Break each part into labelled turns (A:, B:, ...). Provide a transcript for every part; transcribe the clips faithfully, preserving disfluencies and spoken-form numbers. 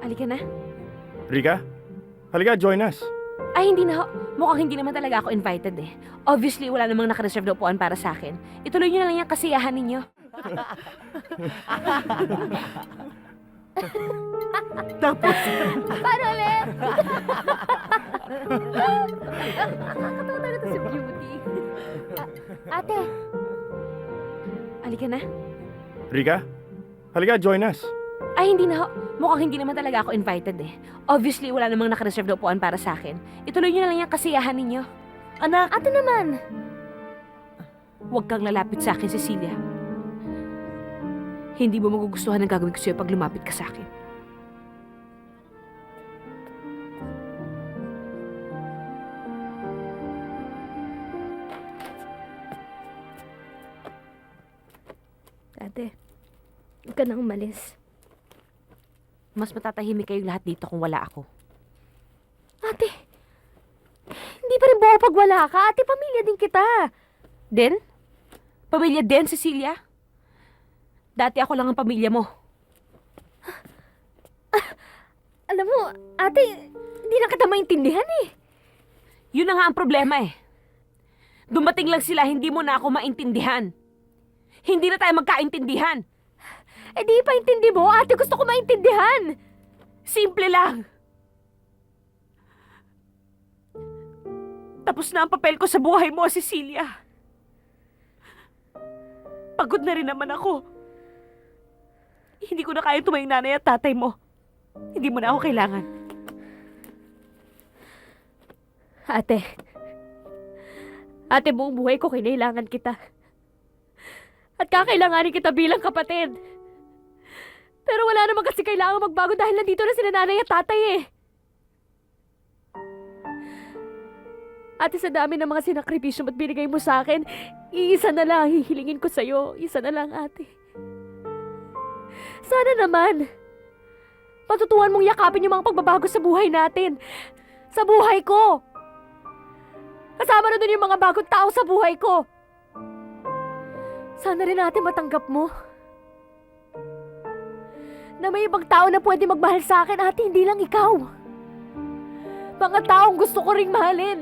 A: Halika na.
B: Rika, halika, join us.
A: Ay, hindi na ho. Mukhang hindi naman talaga ako invited eh. Obviously, wala namang nakareserve na upuan para sa akin. Ituloy niyo na lang yung kasiyahan ninyo.
B: Tapos,
A: Paano ulit? Nakakatawa talaga si Beauty. A- ate. Halika na.
B: Rika, halika, join us.
A: Ay, hindi na ho. Mukhang hindi naman talaga ako invited eh. Obviously, wala namang nakareserve na upuan para sa akin. Ituloy niyo na lang yung kasiyahan ninyo.
C: Anak,
A: Ate naman. Huwag kang lalapit sa akin, Cecilia. Hindi mo magugustuhan ang gagawin ko sa'yo pag lumapit ka sa akin.
D: Ate, huwag ka na umalis.
A: Mas matatahimik kayong lahat dito kung wala ako.
D: Ate, hindi pa rin buo pag wala ka. Ate, pamilya din kita.
A: Den? Pamilya Den, Cecilia? Dati ako lang ang pamilya mo.
D: Alam mo, ate, hindi na kita maintindihan eh.
A: Yun na nga ang problema eh. Dumating lang sila, hindi mo na ako maintindihan. Hindi na tayo magkaintindihan.
D: Eh di pa intindi mo, ate, gusto ko maintindihan.
A: Simple lang. Tapos na ang papel ko sa buhay mo, Cecilia. Pagod na rin naman ako. Hindi ko na kaya tumayong nanay at tatay mo. Hindi mo na ako kailangan.
D: Ate, ate, buong buhay ko kinailangan kita. At kakailanganin kita bilang kapatid. Pero wala naman kasi kailangan magbago dahil nandito na sila nanay at tatay eh. Ate, sa dami ng mga sinakripisyo at binigay mo sa akin, iisa na lang ang hihilingin ko sa'yo. Isa na lang, ate. Sana naman, matutuhan mong yakapin yung mga pagbabago sa buhay natin. Sa buhay ko. Kasama na dun yung mga bagong tao sa buhay ko. Sana rin natin matanggap mo na may ibang tao na pwede magmahal sa akin, ate, hindi lang ikaw. Mga taong gusto ko ring mahalin.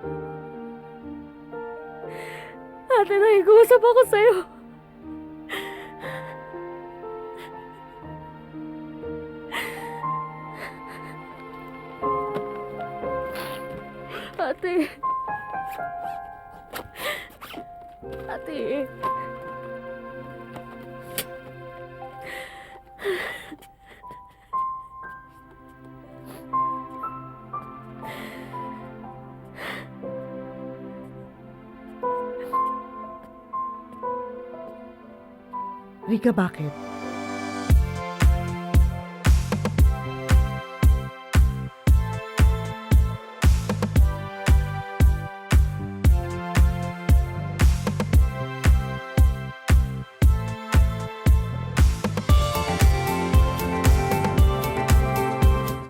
D: Ate, nakikuusap ako sa'yo. Ate. Ate.
C: Rika, bakit?